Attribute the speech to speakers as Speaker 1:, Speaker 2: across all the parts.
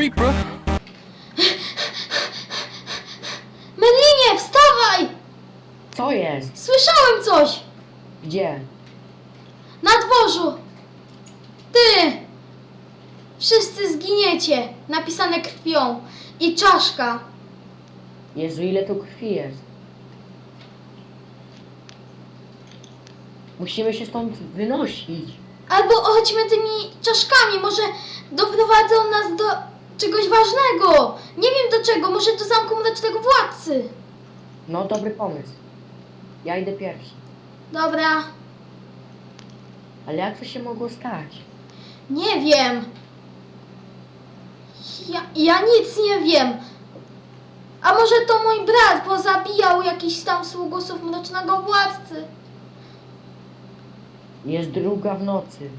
Speaker 1: weak, bro.
Speaker 2: Merlinie, wstawaj!
Speaker 3: Co jest?
Speaker 2: Słyszałem coś!
Speaker 3: Gdzie?
Speaker 2: Na dworzu! Ty! Wszyscy zginiecie! Napisane krwią. I czaszka.
Speaker 3: Jezu, ile tu krwi jest? Musimy się stąd wynosić.
Speaker 2: Albo chodźmy tymi czaszkami, może doprowadzą nas do czegoś ważnego. Nie wiem do czego, może do zamku mrocznego władcy.
Speaker 3: No, dobry pomysł. Ja idę pierwszy.
Speaker 2: Dobra,
Speaker 3: Ale jak to się mogło stać?
Speaker 2: nie wiem. Ja nic nie wiem. A może to mój brat pozabijał jakiś tam sługusów mrocznego władcy?
Speaker 3: Jest 2 w nocy.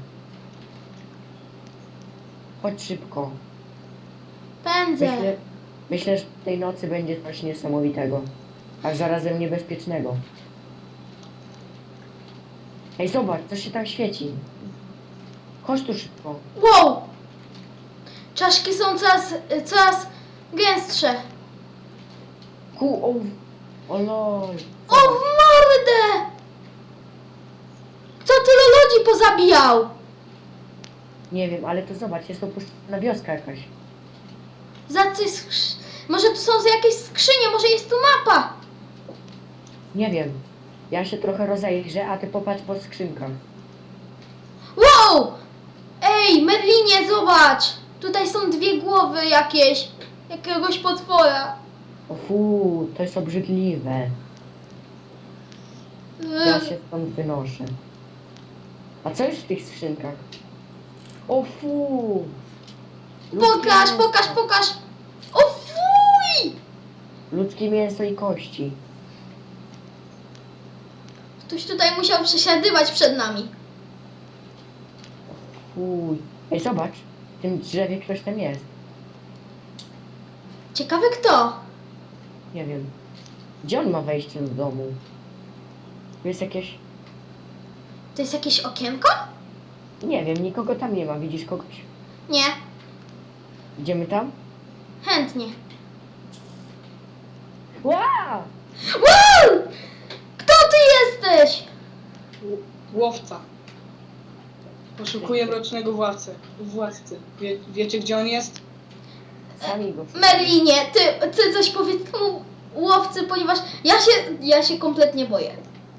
Speaker 3: Chodź szybko.
Speaker 2: Pędzę.
Speaker 3: Myślę, że tej nocy będzie coś niesamowitego. A zarazem niebezpiecznego. Ej, zobacz, co się tam świeci. Chodź tu szybko.
Speaker 2: Wow! Czaszki są coraz gęstsze.
Speaker 3: O lol.
Speaker 2: O w mordę! Kto tyle ludzi pozabijał?
Speaker 3: Nie wiem, ale to zobacz, jest opuszczona wioska jakaś.
Speaker 2: Za coś może tu są jakieś skrzynie, może jest tu mapa.
Speaker 3: Nie wiem. Ja się trochę rozejrzę, a ty popatrz po skrzynkach.
Speaker 2: Wow! Ej, Merlinie, zobacz! Tutaj są 2 głowy jakieś. Jakiegoś potwora.
Speaker 3: O fu, to jest obrzydliwe. Ja się stąd wynoszę. A co jest w tych skrzynkach? O fu!
Speaker 2: Pokaż,
Speaker 3: Ludzkie
Speaker 2: pokaż,
Speaker 3: mięso.
Speaker 2: pokaż! O fuj!
Speaker 3: Ludzkie mięso i kości.
Speaker 2: Ktoś tutaj musiał przesiadywać przed nami.
Speaker 3: Fuj. Ej, zobacz. W tym drzewie ktoś tam jest.
Speaker 2: Ciekawy kto?
Speaker 3: Nie wiem. Gdzie on ma wejście do domu? Tu jest jakieś...
Speaker 2: To jest jakieś okienko?
Speaker 3: Nie wiem, nikogo tam nie ma. Widzisz kogoś?
Speaker 2: Nie,
Speaker 3: Idziemy tam?
Speaker 2: chętnie.
Speaker 3: Wow!
Speaker 2: Wow! Kto ty jesteś?
Speaker 4: Łowca. Poszukuję mrocznego władcy. Wiecie, gdzie on jest?
Speaker 3: Sami go...
Speaker 2: Merlinie, ty coś powiedz temu łowcy, ponieważ ja się kompletnie boję.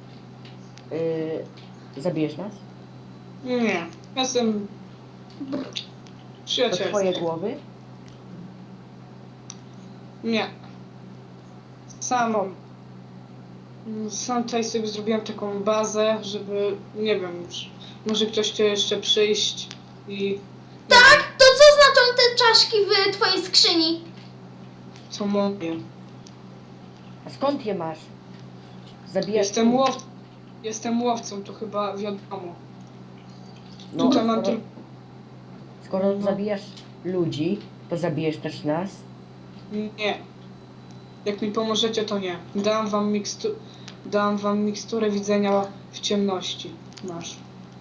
Speaker 3: Zabijesz nas?
Speaker 4: Nie. Jestem...
Speaker 3: To
Speaker 4: Przyjaciel.
Speaker 3: twoje głowy?
Speaker 4: Nie. Sam tutaj sobie zrobiłem taką bazę, żeby... Nie wiem już. Może ktoś chce jeszcze przyjść i...
Speaker 2: Tak? To co znaczą te czaszki w twojej skrzyni?
Speaker 4: Co mówię.
Speaker 3: A skąd je masz? Zabijasz...
Speaker 4: Jestem łowcą, to chyba wiadomo.
Speaker 3: No,
Speaker 4: Tutaj mam tylko...
Speaker 3: skoro
Speaker 4: No.
Speaker 3: zabijasz ludzi, to zabijesz też nas?
Speaker 4: Nie. Jak mi pomożecie, to nie. Dam wam miksturę widzenia w ciemności. Masz.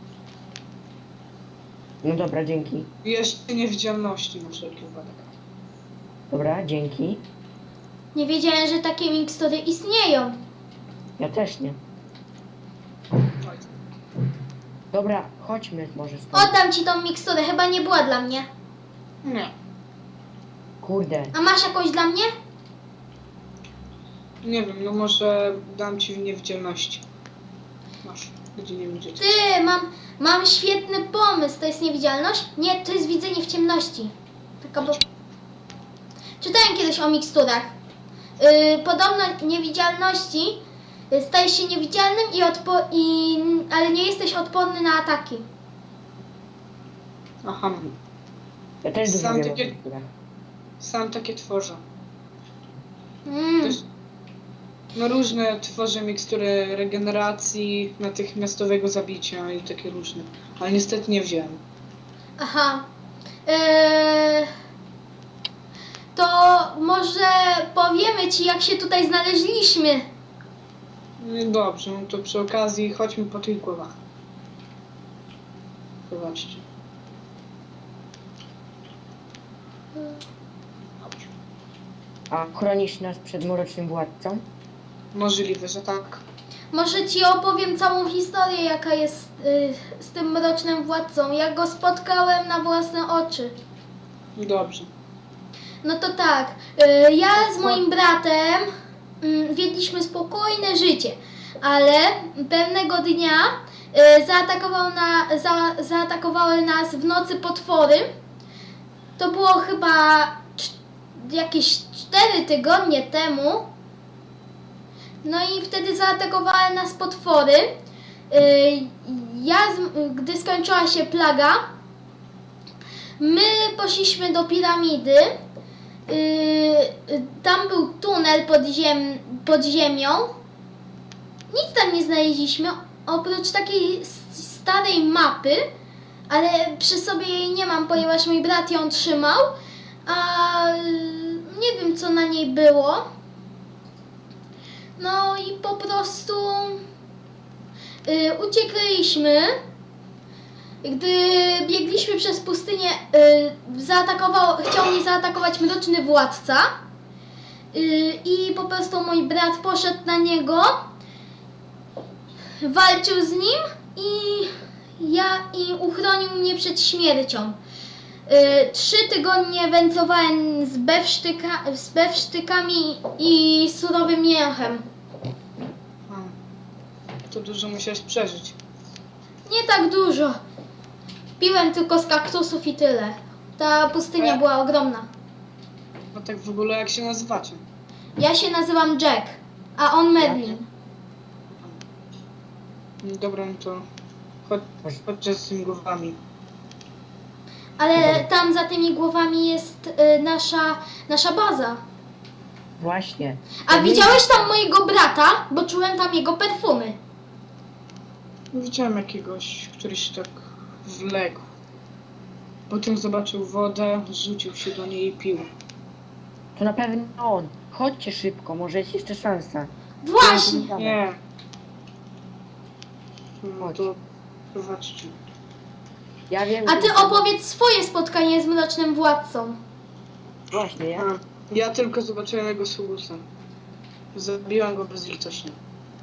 Speaker 3: No dobra, dzięki.
Speaker 4: I jeszcze niewidzialności na wszelki wypadek.
Speaker 3: Dobra, dzięki.
Speaker 2: Nie wiedziałem, że takie mikstury istnieją.
Speaker 3: Ja też nie.
Speaker 4: Oj.
Speaker 3: Dobra, chodźmy może stąd.
Speaker 2: Oddam ci tą miksturę, chyba nie była dla mnie.
Speaker 4: Nie.
Speaker 3: Kurde.
Speaker 2: A masz jakąś dla mnie?
Speaker 4: Nie wiem, no może dam ci w niewidzialności. Masz. Gdzie nie widzieć.
Speaker 2: Ty, mam świetny pomysł. To jest niewidzialność? Nie, to jest widzenie w ciemności. Taka bo... Czytałem kiedyś o miksturach. Podobno niewidzialności stajesz się niewidzialnym ale nie jesteś odporny na ataki.
Speaker 4: Aha.
Speaker 3: Ja też dużo
Speaker 4: Sam
Speaker 3: wiem o
Speaker 4: takie-
Speaker 3: teksturach.
Speaker 4: Sam takie tworzę.
Speaker 2: Mm.
Speaker 4: Też- No różne tworzę mikstury regeneracji, natychmiastowego zabicia i takie różne. Ale niestety nie wziąłem.
Speaker 2: Aha. To może powiemy ci, jak się tutaj znaleźliśmy.
Speaker 4: No dobrze, no to przy okazji chodźmy po tych głowach. Zobaczcie.
Speaker 3: A chronisz nas przed mrocznym władcą?
Speaker 4: Możliwe, że tak.
Speaker 2: Może ci opowiem całą historię, jaka jest z tym mrocznym władcą. Ja go spotkałem na własne oczy.
Speaker 4: Dobrze.
Speaker 2: No to tak, ja z moim bratem wiedliśmy spokojne życie, ale pewnego dnia zaatakowały nas w nocy potwory. To było chyba jakieś 4 tygodnie temu. No i wtedy zaatakowały nas potwory. Gdy skończyła się plaga, my poszliśmy do piramidy. Tam był tunel pod ziemią. Nic tam nie znaleźliśmy, oprócz takiej starej mapy, ale przy sobie jej nie mam, ponieważ mój brat ją trzymał, a nie wiem, co na niej było. No i po prostu uciekliśmy. Gdy biegliśmy przez pustynię, chciał mnie zaatakować mroczny władca i po prostu mój brat poszedł na niego, walczył z nim i uchronił mnie przed śmiercią. 3 tygodnie wędrowałem z bewsztykami i surowym mięchem.
Speaker 4: To dużo musiałeś przeżyć.
Speaker 2: Nie tak dużo. Piłem tylko z kaktusów i tyle. Ta pustynia była ogromna.
Speaker 4: A tak w ogóle jak się nazywacie?
Speaker 2: Ja się nazywam Jack, a on Merlin.
Speaker 4: Dobra, no to chodźcie z tymi głowami.
Speaker 2: Ale tam za tymi głowami jest nasza baza.
Speaker 3: Właśnie.
Speaker 2: A widziałeś tam mojego brata? Bo czułem tam jego perfumy.
Speaker 4: Widziałem jakiegoś, który się tak wległ. Potem zobaczył wodę, rzucił się do niej i pił.
Speaker 3: To na pewno on. Chodźcie szybko, może jest jeszcze szansa.
Speaker 2: Właśnie!
Speaker 4: Nie. No
Speaker 3: Chodź.
Speaker 4: to prowadźcie.
Speaker 3: Ja wiem,
Speaker 2: A
Speaker 3: że
Speaker 2: ty
Speaker 3: jestem-
Speaker 2: opowiedz swoje spotkanie z mrocznym władcą.
Speaker 3: Właśnie, ja.
Speaker 4: Ja tylko zobaczyłem jego sługusa. Zabiłem go bezlitośnie.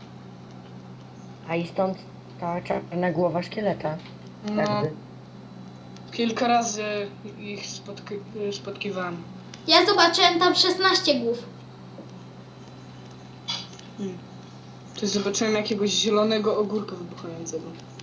Speaker 3: A i stąd ta czarna głowa szkieleta.
Speaker 4: No,
Speaker 3: Jakby.
Speaker 4: kilka razy ich spotkiwałem.
Speaker 2: Ja zobaczyłem tam 16 głów.
Speaker 4: To zobaczyłem jakiegoś zielonego ogórka wybuchającego.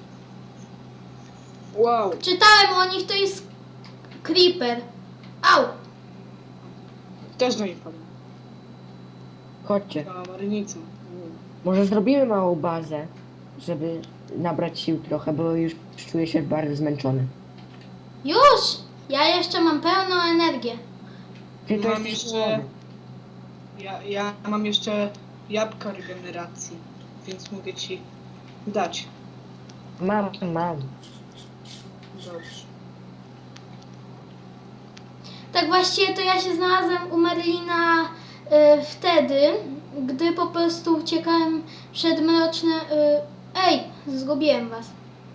Speaker 4: Wow.
Speaker 2: Czytałem o nich, to jest Creeper. Au!
Speaker 4: Też do niej padłem.
Speaker 3: Chodźcie.
Speaker 4: Na marynicę.
Speaker 3: Może zrobimy małą bazę, żeby nabrać sił trochę, bo już czuję się bardzo zmęczony.
Speaker 2: Już! Ja jeszcze mam pełną energię.
Speaker 3: Ty to
Speaker 4: Mam
Speaker 3: jesteś
Speaker 4: jeszcze-
Speaker 3: młody.
Speaker 4: Ja mam jeszcze jabłka regeneracji, więc mogę ci dać.
Speaker 3: Mam.
Speaker 4: Dobrze.
Speaker 2: Tak właściwie to ja się znalazłem u Merlina wtedy, gdy po prostu uciekałem przed mrocznym... Ej, zgubiłem was.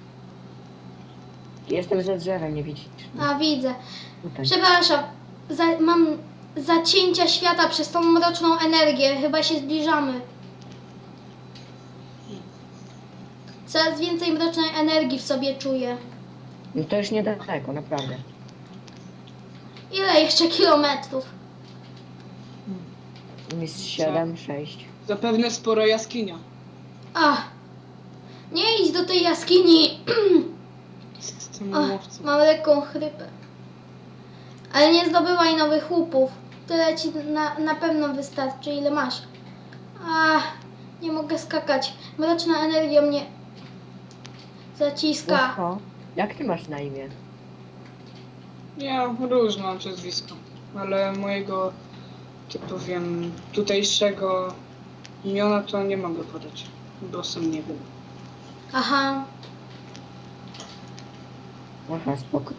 Speaker 3: Jestem za drzewem, nie widzisz?
Speaker 2: A, widzę.
Speaker 3: Tutaj.
Speaker 2: Przepraszam, mam zacięcia świata przez tą mroczną energię. Chyba się zbliżamy. Coraz więcej mrocznej energii w sobie czuję.
Speaker 3: No to już niedaleko, naprawdę.
Speaker 2: Ile jeszcze kilometrów?
Speaker 3: Jest 7, 6.
Speaker 4: Zapewne spora jaskinia.
Speaker 2: Ach, nie idź do tej jaskini.
Speaker 4: Z tym
Speaker 2: Ach,
Speaker 4: łowcą.
Speaker 2: mam lekką chrypę. Ale nie zdobywaj nowych łupów. Tyle ci na pewno wystarczy, ile masz. Ach, nie mogę skakać. Mroczna energia mnie zaciska.
Speaker 3: Oho. Jak ty masz na imię?
Speaker 4: Ja różne mam przezwisko, ale mojego, tak powiem, tutejszego imiona to nie mogę podać, bo sam nie wiem.
Speaker 2: Aha,
Speaker 3: Aha, spoko.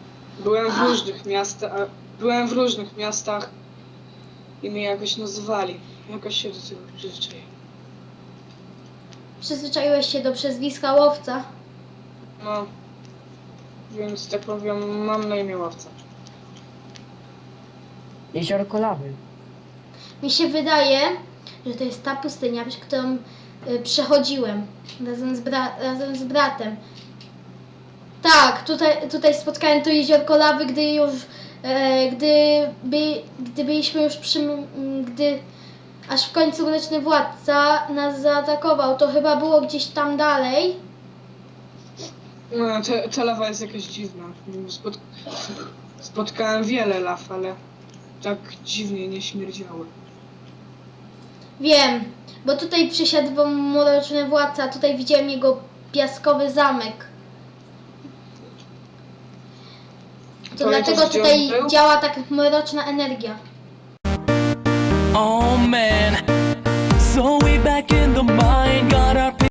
Speaker 4: Byłem w różnych miastach i mnie jakoś nazywali. Jakoś się do tego przyzwyczaiłem.
Speaker 2: przyzwyczaiłeś się do przezwiska łowca.
Speaker 4: No, więc tak powiem, mam na imię łowca.
Speaker 3: Jeziorko lawy.
Speaker 2: Mi się wydaje, że to jest ta pustynia, przez którą przechodziłem razem z bratem. Tak, tutaj spotkałem to jeziorko lawy, gdy już, gdy byliśmy już gdy aż w końcu Mroczny Władca nas zaatakował. To chyba było gdzieś tam dalej.
Speaker 4: No, ta lawa jest jakaś dziwna. Spotkałem wiele law, ale tak dziwnie nie śmierdziały.
Speaker 2: Wiem, bo tutaj przysiadywał Mroczny Władca, a tutaj widziałem jego piaskowy zamek. To dlatego
Speaker 4: Pamiętasz, gdzie
Speaker 2: tutaj
Speaker 4: on był?
Speaker 2: działa tak mroczna energia.
Speaker 1: Oh man, so way back in the mind,